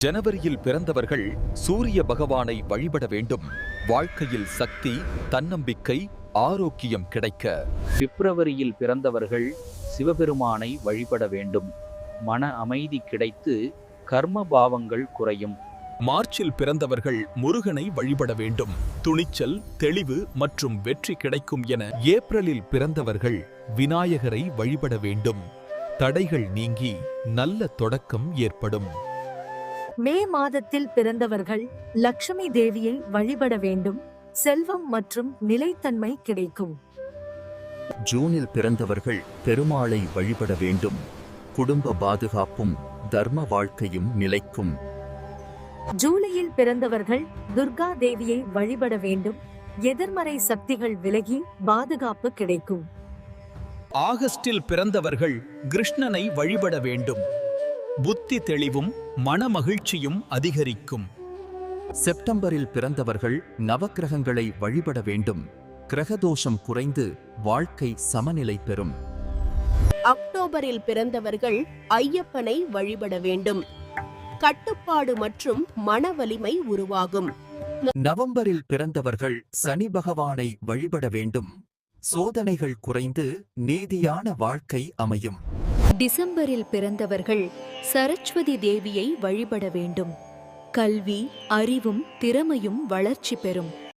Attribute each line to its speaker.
Speaker 1: ஜனவரியில் பிறந்தவர்கள் சூரிய பகவானை வழிபட வேண்டும். வாழ்க்கையில் சக்தி, தன்னம்பிக்கை, ஆரோக்கியம் கிடைக்க.
Speaker 2: பிப்ரவரியில் பிறந்தவர்கள் சிவபெருமானை வழிபட வேண்டும். மன அமைதி கிடைத்து கர்ம பாவங்கள் குறையும்.
Speaker 3: மார்ச்சில் பிறந்தவர்கள் முருகனை வழிபட வேண்டும். துணிச்சல், தெளிவு மற்றும் வெற்றி கிடைக்கும் என.
Speaker 1: ஏப்ரலில் பிறந்தவர்கள் விநாயகரை வழிபட வேண்டும். தடைகள் நீங்கி நல்ல தொடக்கம் ஏற்படும்.
Speaker 4: மே மாதத்தில் பிறந்தவர்கள் லட்சுமி தேவியை வழிபட வேண்டும். செல்வம் மற்றும் நிலைத்தன்மை கிடைக்கும்.
Speaker 5: ஜூனில் பிறந்தவர்கள் பெருமாளை வழிபட வேண்டும். குடும்ப பாதுகாப்பும் தர்ம வாழ்க்கையும் நிலைக்கும்.
Speaker 4: ஜூலையில் பிறந்தவர்கள் துர்கா தேவியை வழிபட வேண்டும். எதிர்மறை சக்திகள் விலகி பாதுகாப்பு கிடைக்கும்.
Speaker 3: ஆகஸ்டில் பிறந்தவர்கள் கிருஷ்ணனை வழிபட வேண்டும். புத்தி தெளிவும் மனமகிழ்ச்சியும் அதிகரிக்கும்.
Speaker 5: செப்டம்பரில் பிறந்தவர்கள் நவக்கிரகங்களை வழிபட வேண்டும். கிரகதோஷம் குறைந்து வாழ்க்கை சமநிலை பெறும்.
Speaker 6: அக்டோபரில் பிறந்தவர்கள் ஐயப்பனை வழிபட வேண்டும். கட்டுப்பாடு மற்றும் மன வலிமை உருவாகும்.
Speaker 5: நவம்பரில் பிறந்தவர்கள் சனி பகவானை வழிபட வேண்டும். சோதனைகள் குறைந்து நீதியான வாழ்க்கை அமையும்.
Speaker 7: டிசம்பரில் பிறந்தவர்கள் சரஸ்வதி தேவியை வழிபட வேண்டும். கல்வி, அறிவும் திறமையும் வளர்ச்சி பெறும்.